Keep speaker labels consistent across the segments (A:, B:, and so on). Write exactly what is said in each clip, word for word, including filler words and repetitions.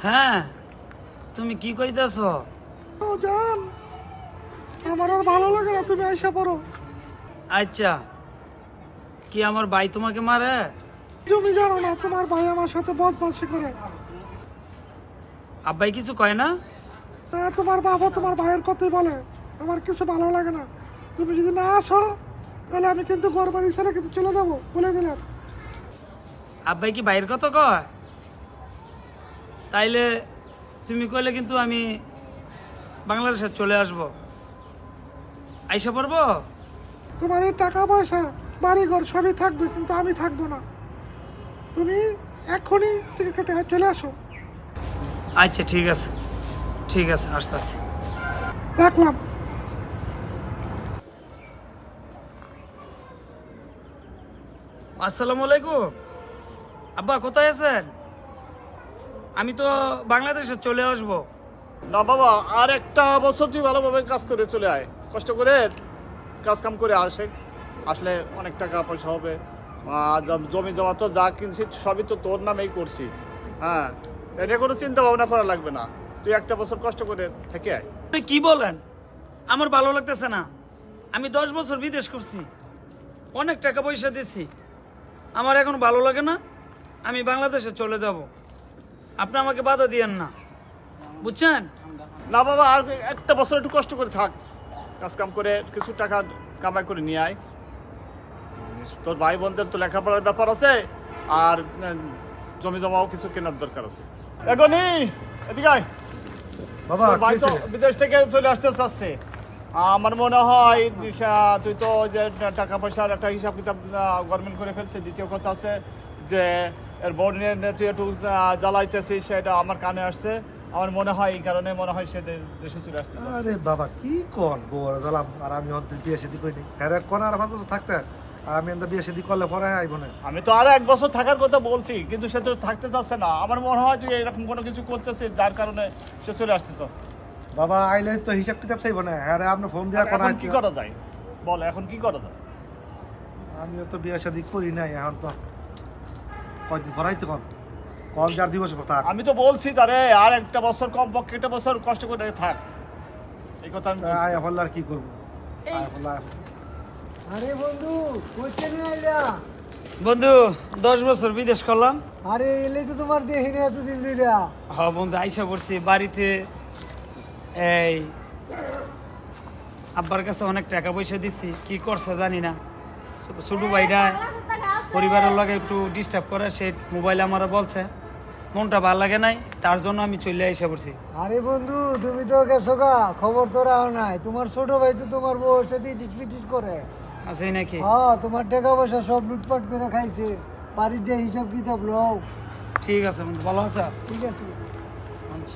A: হ্যাঁ, তুমি কি কইতাছ?
B: ও জান, আমার আর ভালো লাগে না, তুমি আইসা পড়ো।
A: আচ্ছা, কি আমার ভাই তোমাকে মারে?
B: তুমি জানো না তোমার ভাই আমার সাথে বদমাশি করে।
A: আব্বাই কিছু কয় না?
B: তা তোমার বাবা তোমার ভাইয়ের কথাই বলে, আমার কিছু ভালো লাগে না। তুমি যদি না আসো তাহলে আমি কিন্তু ঘর বাড়ি ছেড়ে কিন্তু চলে যাবো, বলে দিলাম।
A: আব্বাই কি ভাইয়ের কথা কয়? তাইলে তুমি কইলে কিন্তু আমি বাংলাদেশে চলে আসব। আইসা পড়বো?
B: তোমার এই টাকা পয়সা বাড়ি ঘর সবই থাকবে, কিন্তু আমি থাকবো না। তুমি এখনই টিকিট কেটে চলে আসো।
A: আচ্ছা ঠিক আছে, ঠিক আছে, আসতেছি।
B: রাখলাম।
A: আসসালামু আলাইকুম। আব্বা কোথায় আছেন? আমি তো বাংলাদেশে চলে আসব।
C: না বাবা, আর একটা বছর তুই ভালোভাবে কাজ করে চলে আয়, কষ্ট করে কাজ কাম করে আসে, আসলে অনেক টাকা পয়সা হবে। আর জম- জমি জমা তো যা কিনছি সবই তো তোর নামেই করছি। হ্যাঁ, এটা কোনো চিন্তা ভাবনা করা লাগবে না, তুই একটা বছর কষ্ট করে থেকে আয়।
A: আপনি কি বলেন? আমার ভালো লাগতেছে না। আমি দশ বছর বিদেশ করছি, অনেক টাকা পয়সা দিছি, আমার এখন ভালো লাগে না। আমি বাংলাদেশে চলে যাব। আপনি আমাকে বাধা দিয়েন না, বুঝছেন?
C: না বাবা, আর একটা বছর একটু কষ্ট করে থাক, কাজ কাম করে কিছু টাকা কামাই করে নিয়ে আয়। তোর ভাই বোনদের তো লেখাপড়ার ব্যাপার আছে, আর উম, জমি জমাও কিছু কেনার দরকার আছে। এখনই এদিকে আয়।
D: বাবা
C: তোর ভাই তো
D: কিসে?
C: বিদেশ থেকে চলে আসতে চাচ্ছে। আমার মনে হয় দিশা, তুই তো যে টাকা পয়সার একটা হিসাব কিতাব গভর্নমেন্ট করে ফেলছে। দ্বিতীয় কথা আছে যে এর বোর্ড নিয়ে তুই একটু আহ, জ্বালাইতেছিস, সেটা আমার কানে আসছে। আমার মনে হয় এই কারণে মনে হয় সে দে- দেশে চলে আসতে চাচ্ছে।
D: আরে বাবা কি কন বউর গেলাম, আর আমি অন্তত বিয়ে শাদি করিনি। হ্যাঁ কোন আর পাঁচ বছর থাকতে, আর আমি এত বিয়ে শাদি করলে পরে আইব না।
C: আমি তো আরো এক বছর থাকার কথা বলছি, কিন্তু সে তো থাকতে চাচ্ছে না। আমার মনে হয় তুই এরকম কোনো কিছু করতেছিস যার কারণে সে চলে আসতে চাচ্ছে।
D: বাবা আইলে তো হিসাব কিতাব চাইব না। হ্যাঁ আপনি ফোন দেওয়া কোন
C: এখন কি করা যায় বল, এখন কি করা যায়?
D: আমিও তো বিয়ে শাদি করি নাই, এখন তো কয়দিন ভরাইতে কন কল যার দিবস থাক।
C: আমি তো বলছি তারে আর একটা বছর, কম পক্ষে একটা বছর কষ্ট করে থাক, এই কথা আমি বলছি।
D: আয় হল্লা আর কি করবো, আয় হল্লা।
E: আরে বন্ধু, কোচে নিয়ে আইলা?
A: বন্ধু, দশ বছর বিদেশ করলাম।
E: আরে এলে তো তোমার দেখি না এতদিন ধরে।
A: হ বন্ধু, আইসা পড়ছি বাড়িতে। এই আব্বার কাছে অনেক টাকা পয়সা দিচ্ছি, কি করছে জানি না। ছো- ছোট ভাইটা পরিবারের লগে একটু ডিস্টার্ব করে, সে মোবাইলে আমার বলছে, মনটা ভালো লাগে নাই, তার জন্য আমি চলে আইসা পড়ছি।
E: আরে বন্ধু, তুমি তো গেছো গা, খবর তো রাও নাই। তোমার ছোট ভাই তো তোমার বউর সাথে চিটপিটিট করে।
A: আছে নাকি?
E: হ্যাঁ, তোমার টাকা পয়সা সব লুটপাট করে খাইছে। বাড়ির যে হিসাব কিতাব লও।
A: ঠিক আছে বন্ধু, ভালো আছে?
E: ঠিক আছে।
A: আচ্ছা।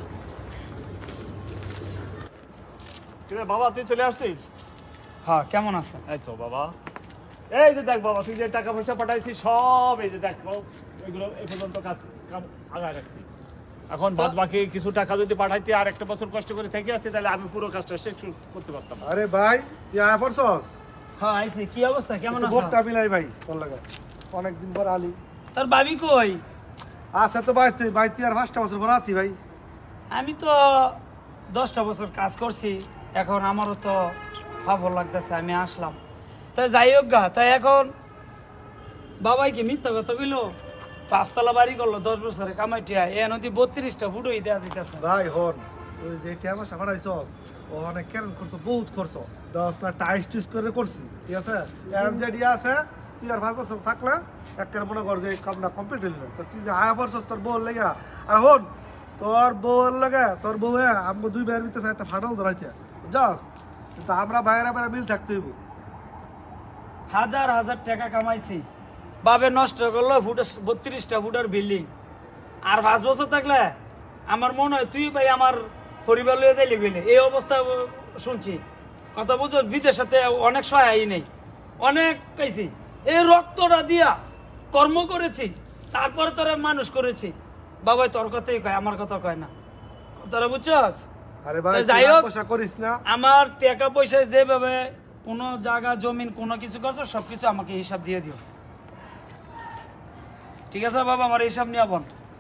C: ঠিক আছে বাবা, তুই চলে আসছিস?
A: হ্যাঁ, কেমন আছে?
C: এই তো বাবা, এই যে দেখ বাবা, তুই যে টাকা পয়সা পাঠাইছিস সব এই যে দেখ, এগুলো এই পর্যন্ত কাজ কাম আগায় রাখছি। এখন বাদ বাকি কিছু টাকা যদি পাঠাইতে আর একটা বছর কষ্ট করে থেকে আসছে, তাহলে আমি পুরো কাজটা শেষ করতে পারতাম।
D: আরে ভাই তুই আয় পড়ছস?
A: হ্যাঁ আইছি। কি অবস্থা, কেমন আছো?
D: ভোটটা মিলাই ভাই তোর লাগে, অনেকদিন পর আলি।
A: তোর ভাবি কই?
D: আছে তো বাইতে বাইতে আর পাঁচটা বছর পর আতি ভাই।
A: আমি তো দশটা বছর কাজ করছি, এখন আমারও তো ভালো লাগতেছে, আমি আসলাম। তাই যাই হোক গা, তাই এখন বাবাই কি মিথ্যা কথা কইলো? পাঁচতলা বাড়ি করলো দশ বছরে কামাইটিয়া, এ নদী বত্রিশটা ফুটোই দেওয়া দিতেছে।
D: ভাই হন, ওই যে টিয়া মাসা ফাটাইছস ও অনেক কেন করছো, বহুত করছো। দশ না টাইস টুইস করে করছি, ঠিক আছে? এর যে ডিয়া আছে তুই আর ভাগ বছর থাকলে একের মনে কর যে এই কামটা কমপ্লিট হইল না। তো তুই যে আয়া পড়ছস তোর বউর লেগে, আর হন তোর বউর লাগে তোর বউ আমরা দুই ভাইয়ের ভিতরে একটা ফাটল ধরাইতে যাস, কিন্তু আমরা ভাইয়েরা ভাইয়েরা মিল থাকতে হইব।
A: হাজার হাজার টাকা কামাইছি, বাবে নষ্ট করলো ফুটো বত্রিশটা ফুটার বিল্ডিং। আর পাঁচ বছর থাকলে আমার মনে হয় তুই ভাই আমার পরিবার লয়ে যাইলে গেলে এই অবস্থা ব- শুনছি। কথা বুঝো, বিদেশে অনেক সহায় নেই, অনেক কাইছি। এই রক্তটা দিয়া কর্ম করেছি, তারপরে তোরা মানুষ করেছি। বাবাই তোর কথাই কয়, আমার কথা কয় না। কথাটা বুঝছস?
D: আরে ভাই
A: তো যাই
D: তুই
A: হোক,
D: পয়সা করিস না।
A: আমার টাকা পয়সায় যেভাবে কোনো জায়গা জমিন কোনো কিছু করছো সবকিছু আমাকে হিসাব দিয়ে দিও, ঠিক আছে বাবা? আমার হিসাব নিয়ে বোন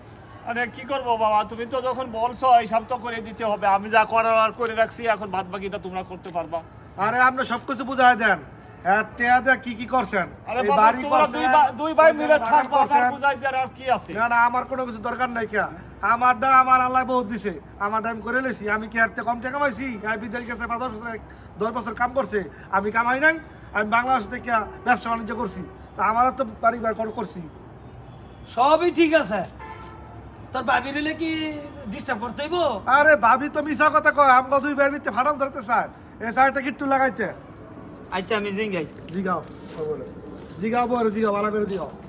C: আরে কি করবো বাবা, তুমি তো যখন বলছো হিসাব তো করে দিতে হবে। আমি যা করার আর করে রাখছি, এখন বাদ বাকিটা তোমরা করতে পারবা।
D: আরে আপনি সবকিছু বুঝাই দেন। হ্যাঁ টেয়া দেয়া কি কি করছেন?
C: আরে
D: এই
C: বাবা,
D: বাড়ি
C: তোমরা
D: করছেন,
C: দুই ভাই- দুই ভাই মিলে
D: বাগান
C: থাকবা,
D: করছেন।
C: আর বুঝাই দেওয়ার আর কি আছে?
D: না না আমার কোনো কিছু দরকার নাই কে, আমারটা আমার আল্লাহ বহুত দিছে, আমারটা আমি করে লেছি। আমি কি হারতে কম টাকা কামাইছি? আমি বিদেশ গেছে পাঁচ দশ বছর দশ বছর কাম করছে, আমি কামাই নাই? আমি বাংলাদেশ থেকে ব্যবসা বাণিজ্য করছি, তা আমারও তো বাড়ি বাড়ি করে করছি।
A: সবই ঠিক আছে, তোর ভাবি রিলে কি ডিস্টার্ব করতে হইব?
D: আরে ভাবি তো মিশা কথা কয়, আমগো দুই ভাইয়ের ভিতরে ফাটাম ধরতে চায়, এই সাইডটা কিট্টু লাগাইতে।
A: আচ্ছা আমি জিঙ্গাই।
D: জিগাও জিগাও বড় জিগাও ভালো করে দিও।